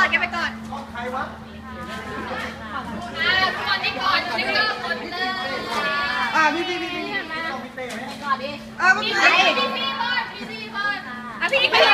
แกไปก่อนใครวะก่อนนี่ก่อนนี่ก็ก่อนเลยพี่ก่อนดิพี่ก่อนพี่ไป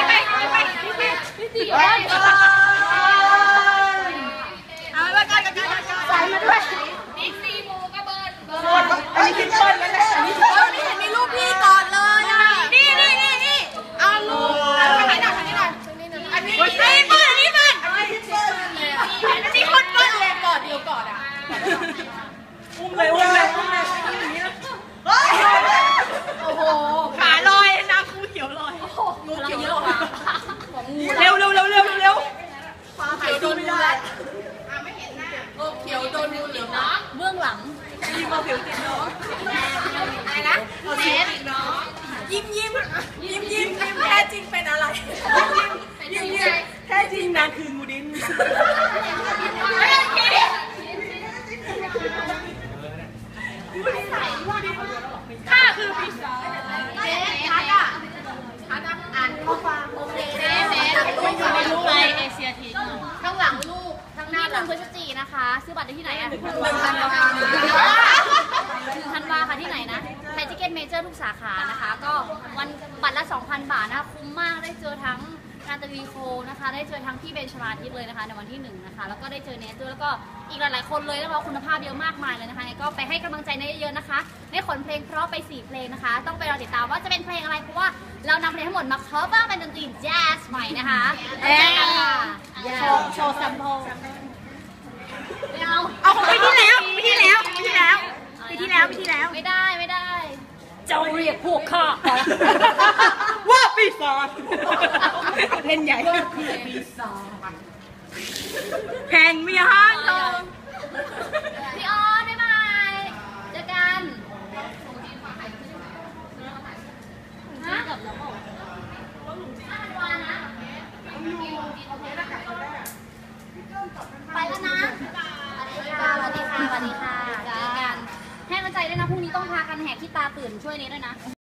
เอาไปก่อนใส่มาด้วยบิ๊กซีมูก็เบิร์นอันนี้คิดเบิร์นแล้วแหละนี่เห็นมีรูปพี่ก่อนเลยอ่ะนี่เอารูปถ่ายหน่อยอันนี้เบิร์นอันนี้คนเบิร์นเลยกอดเดียวกอดอ่ะอุ้มเลยโอ้โหขาลอยนะครูเขียวลอยงูเขียวลอยเร็วฟ้าเขียวโดนงูเลยไม่เห็นหน้าเขียวโดนงูเหลือมน้องเบื้องหลังยิ้มมาผิวติดน้องอะไรนะเน็ตน้องยิ้มแท้จริงเป็นอะไรยิ้มแท้จริงนางคืองูดินข้าคือปีศาจชัดอ่านข้อความโอเคไม่รู้ไปเอเชียทีข้างหลังลูกข้างหน้า1 พฤศจิกายนนะคะซื้อบัตรได้ที่ไหนอ่ะ1 ธันวาค่ะที่ไหนนะไทยทิเก็ตเมเจอร์ทุกสาขานะคะก็วันบัตรละ 2,000 บาทนะคะคุ้มมากได้เจอทั้งนาตาลีโคนะคะได้เจอทั้งพี่เบนชมาทิตเลยนะคะในวันที่1นะคะแล้วก็ได้เจอเนสด้วยแล้วก็อีกหลายๆคนเลยนะคะคุณภาพเยอะมากมายเลยนะคะก็ไปให้กำลังใจเนสเยอะนะคะได้ขนเพลงเพราะไป4เพลงนะคะต้องไปรอติดตามว่าจะเป็นเพลงอะไรเพราะว่าเรานำเพลงทั้งหมดมาคัฟเวอร์เป็นดนตรีแจ๊สใหม่นะคะโชว์แซมเปิลเอาของปีที่แล้วไม่ได้เจ้าเรียกพวกข้าว่าปีศาจเล่นใหญ่ปีศาจแข่งมีห้างทองพี่ออนบ๊ายบายเจอกันฮะไปแล้วนะสวัสดีค่ะเจอกันให้กำลังใจด้วยนะพรุ่งนี้ต้องพากันแหกขี้ตาตื่นช่วยนี้ด้วยนะ